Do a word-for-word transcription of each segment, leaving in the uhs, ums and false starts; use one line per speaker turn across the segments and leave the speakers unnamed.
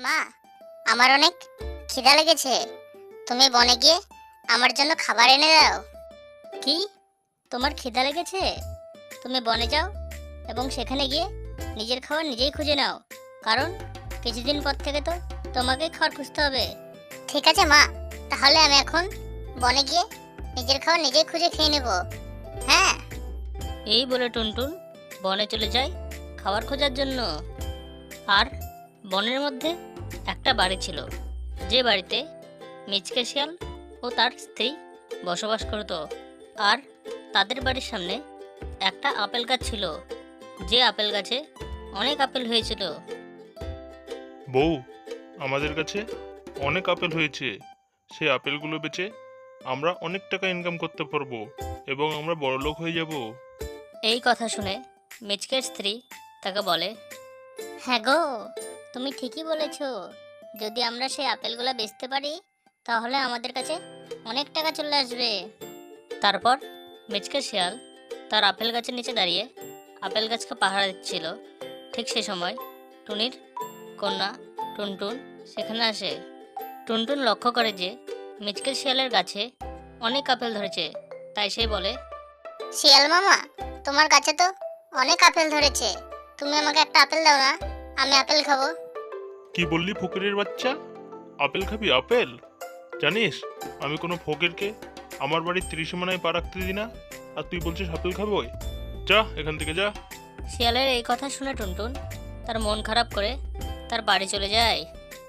মা, আমার অনেক খিদা লেগেছে। তুমি বনে গিয়ে আমার জন্য খাবার এনে দাও। কি? তোমার খিদা লেগেছে? তুমি বনে যাও এবং সেখানে গিয়ে নিজের খাবার নিজেই খুঁজে নাও, কারণ কিছুদিন পর থেকে তো তোমাকে খাবার খুঁজতে হবে। ঠিক আছে মা, তাহলে আমি এখন বনে গিয়ে নিজের খাবার নিজেই খুঁজে খেয়ে নেব। হ্যাঁ।
এই বলে টুনটুন বনে চলে যায় খাবার খোঁজার জন্য। আর বনের মধ্যে একটা বাড়ি ছিল, যে বাড়িতে মিচকে শিয়াল ও তার স্ত্রী বসবাস করত। আর তাদের বাড়ির সামনে একটা আপেল গাছ ছিল, যে আপেল গাছে অনেক আপেল হয়েছিল।
বউ, আমাদের কাছে অনেক আপেল হয়েছে। সেই আপেলগুলো বেচে আমরা অনেক টাকা ইনকাম করতে পারবো এবং আমরা বড়লোক হয়ে যাব।
এই কথা শুনে মিচকের স্ত্রী তাকে বলে,
হ্যাঁ গো, তুমি ঠিকই বলেছ। যদি আমরা সেই আপেলগুলো বেচতে পারি তাহলে আমাদের কাছে অনেক টাকা চলে আসবে।
তারপর মিচকে শিয়াল তার আপেল গাছের নিচে দাঁড়িয়ে আপেল গাছকে পাহারা দিচ্ছিল। ঠিক সে সময় টুনির কন্যা টুনটুন সেখানে আসে। টুনটুন লক্ষ্য করে যে মিচকে শিয়ালের গাছে অনেক আপেল ধরেছে, তাই সে বলে,
শিয়াল মামা, তোমার কাছে তো অনেক আপেল ধরেছে, তুমি আমাকে একটা আপেল দাও না, আমি আপেল খাবো।
কি বললি ফকিরের বাচ্চা? আপেল খাবি? আপেল? জানিস আমি কোনো ফকিরকে আমার বাড়ির ত্রিসীমানায় পা রাখতে দিই না, আর তুই বলছিস আপেল খাবো? যা এখান থেকে, যা।
শিয়ালের এই কথা শুনে টুনটুন তার মন খারাপ করে তার বাড়ি চলে যায়।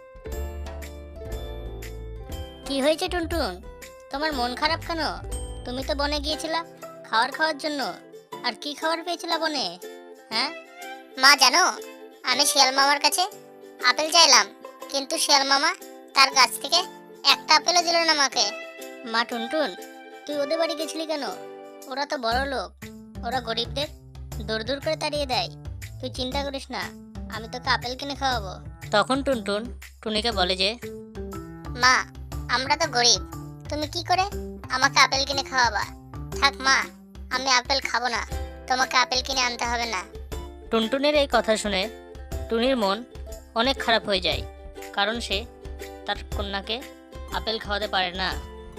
কি হয়েছে টুনটুন, তোমার মন খারাপ কেন? তুমি তো বনে গিয়েছিলা খাবার খাওয়ার জন্য, আর কি খাবার পেয়েছিলা বনে? হ্যাঁ মা, জানো আমি শিয়াল মামার কাছে আপেল চাইলাম, কিন্তু শিয়াল মামা তার গাছ থেকে একটা আপেলও দিল না আমাকে। মা টুনটুন, তুই ওদের বাড়ি গেছিলি কেন? ওরা তো বড় লোক, ওরা গরিবদের দূর দূর করে তাড়িয়ে দেয়। তুই চিন্তা করিস না, আমি তোকে আপেল কিনে খাওয়াবো।
তখন টুনটুন টুনিকে বলে যে,
মা, আমরা তো গরিব, তুমি কি করে আমাকে আপেল কিনে খাওয়াবা? থাক মা, আমি আপেল খাবো না, তোমাকে আপেল কিনে আনতে হবে না।
টুনটুনের এই কথা শুনে টুনির মন অনেক খারাপ হয়ে যায়, কারণ সে তার কন্যাকে আপেল খাওয়াতে পারে না।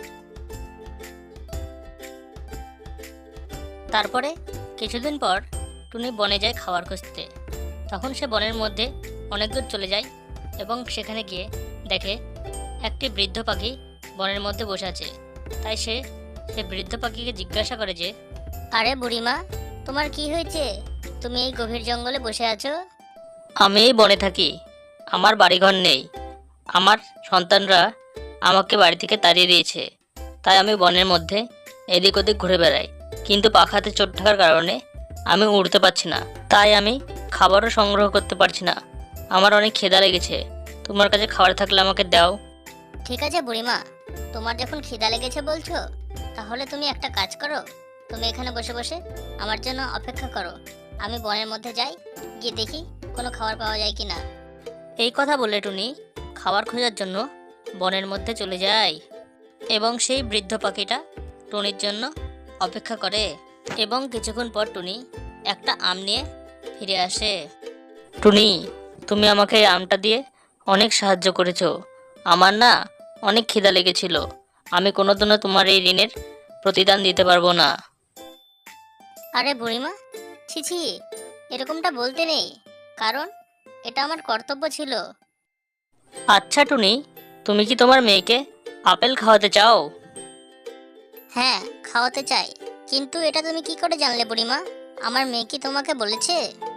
তারপরে কিছুদিন পর টুনি বনে যায় খাবার খুঁজতে। তখন সে বনের মধ্যে অনেক দূর চলে যায় এবং সেখানে গিয়ে দেখে একটি বৃদ্ধ পাখি বনের মধ্যে বসে আছে। তাই সে সে বৃদ্ধ পাখিকে জিজ্ঞাসা করে যে,
আরে বুড়িমা, তোমার কি হয়েছে? তুমি এই গভীর জঙ্গলে বসে আছো?
আমি এই বনে থাকি, আমার বাড়িঘর নেই, আমার সন্তানরা আমাকে বাড়ি থেকে তাড়িয়ে দিয়েছে, তাই আমি বনের মধ্যে এদিক ওদিক ঘুরে বেড়াই, কিন্তু পাখাতে চোট থাকার কারণে আমি উড়তে পারছি না, তাই আমি খাবারও সংগ্রহ করতে পারছি না। আমার অনেক খিদা লেগেছে, তোমার কাছে খাবার থাকলে আমাকে দাও।
ঠিক আছে বুড়িমা, তোমার যখন খিদা লেগেছে বলছো, তাহলে তুমি একটা কাজ করো, তুমি এখানে বসে বসে আমার জন্য অপেক্ষা করো। আমি বনের মধ্যে যাই, গিয়ে দেখি কোনো খাবার পাওয়া যায় কি না।
এই কথা বলে টুনি খাবার খোঁজার জন্য বনের মধ্যে চলে যায় এবং সেই বৃদ্ধ পাখিটা টুনির জন্য অপেক্ষা করে। এবং কিছুক্ষণ পর টুনি একটা আম নিয়ে ফিরে আসে। টুনি, তুমি আমাকে এই আমটা দিয়ে অনেক সাহায্য করেছো, আমার না অনেক খিদা লেগেছিল, আমি কোনোদিনও তোমার এই ঋণের প্রতিদান দিতে পারবো না।
আরে বুড়িমা, ছি ছি, এরকমটা বলতে নেই, কারণ এটা আমার কর্তব্য ছিল।
আচ্ছা টুনি, তুমি কি তোমার মেয়েকে আপেল খাওয়াতে চাও?
হ্যাঁ, খাওয়াতে চাই, কিন্তু এটা তুমি কি করে জানলে বুড়িমা? আমার মেয়ে কি তোমাকে বলেছে?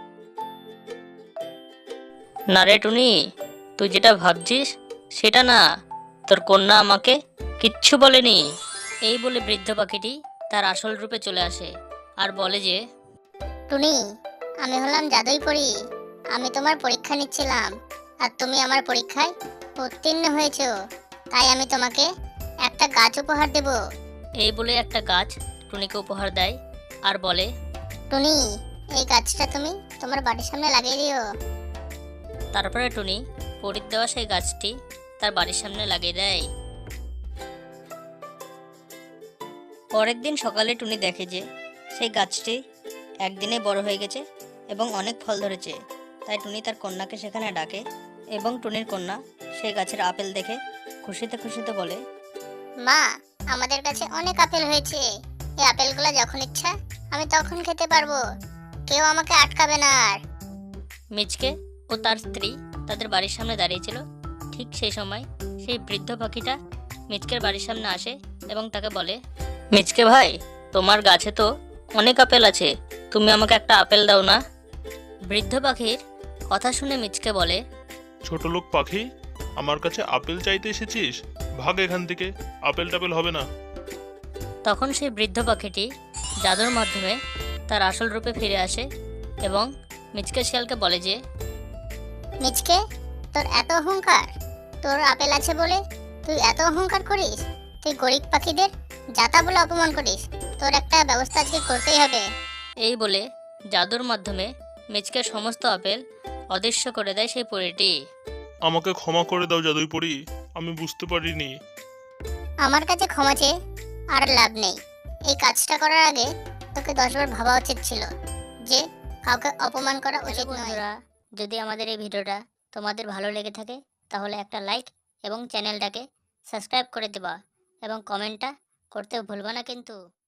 না রে টুনি, তুই যেটা ভাবছিস সেটা না, তোর কন্যা আমাকে কিচ্ছু বলেনি। এই বলে বৃদ্ধ পাখিটি তার আসল রূপে চলে আসে আর বলে যে,
টুনি, আমি হলাম জাদুই পড়ি, আমি তোমার পরীক্ষা নিচ্ছিলাম, আর তুমি আমার পরীক্ষায় উত্তীর্ণ হয়েছো, তাই আমি তোমাকে একটা গাছ উপহার দেব।
এই বলে একটা গাছ টুনিকে উপহার দেয় আর বলে,
টুনি, এই গাছটা তুমি তোমার বাড়ির সামনে লাগিয়ে দিও।
তারপরে টুনি পরীর দেওয়া সেই গাছটি তার বাড়ির সামনে লাগিয়ে দেয়। পরের দিন সকালে টুনি দেখে যে সেই গাছটি একদিনে বড় হয়ে গেছে এবং অনেক ফল ধরেছে। তাই টুনি তার কন্যাকে সেখানে ডাকে এবং টুনির কন্যা সেই গাছের আপেল দেখে খুশিতে খুশিতে বলে,
মা, আমাদের কাছে অনেক আপেল হয়েছে। এই আপেলগুলো যখন ইচ্ছা আমি তখন খেতে পারবো, কেউ আমাকে আটকাবে না আর।
মিচকে ও তার স্ত্রী তাদের বাড়ির সামনে দাঁড়িয়েছিল। ঠিক সেই সময় সেই বৃদ্ধ পাখিটা মিচকের বাড়ির সামনে আসে এবং তাকে বলে, মিচকে ভাই, তোমার গাছে তো অনেক আপেল আছে, তুমি আমাকে একটা আপেল দাও না? বৃদ্ধ পাখির কথা শুনে মিচকে বলে,
ছোট লোক পাখি, আমার কাছে আপেল চাইতে এসেছিস? ভাগ এখান থেকে, আপেল টাপেল হবে না।
তখন সেই বৃদ্ধ পাখিটি জাদুর মাধ্যমে তার আসল রূপে ফিরে আসে এবং মিচকে শিয়ালকে বলে যে,
মিচকে, তোর এত অহংকার! তোর আপেল আছে বলে তুই এত অহংকার করিস? তুই গরিব পাখিদের যাতা বলে অপমান করিস। তোর একটা ব্যবস্থা আজকে করতেই হবে।
এই বলে জাদুর মাধ্যমে মিচকের সমস্ত আপেল অদৃশ্য করে দেয় সেই পরীটি।
আমাকে ক্ষমা করে দাও জাদুই পড়ি, আমি বুঝতে পারিনি।
আমার কাছে ক্ষমা চেয়ে আর লাভ নেই। এই কাজটা করার আগে তোকে দশবার ভাবা উচিত ছিল যে কাউকে অপমান করা উচিত নয়। বন্ধুরা, যদি আমাদের এই ভিডিওটা তোমাদের ভালো লেগে থাকে তাহলে একটা লাইক এবং চ্যানেলটাকে সাবস্ক্রাইব করে দেবা এবং কমেন্টটা করতে ভুলবা না কিন্তু।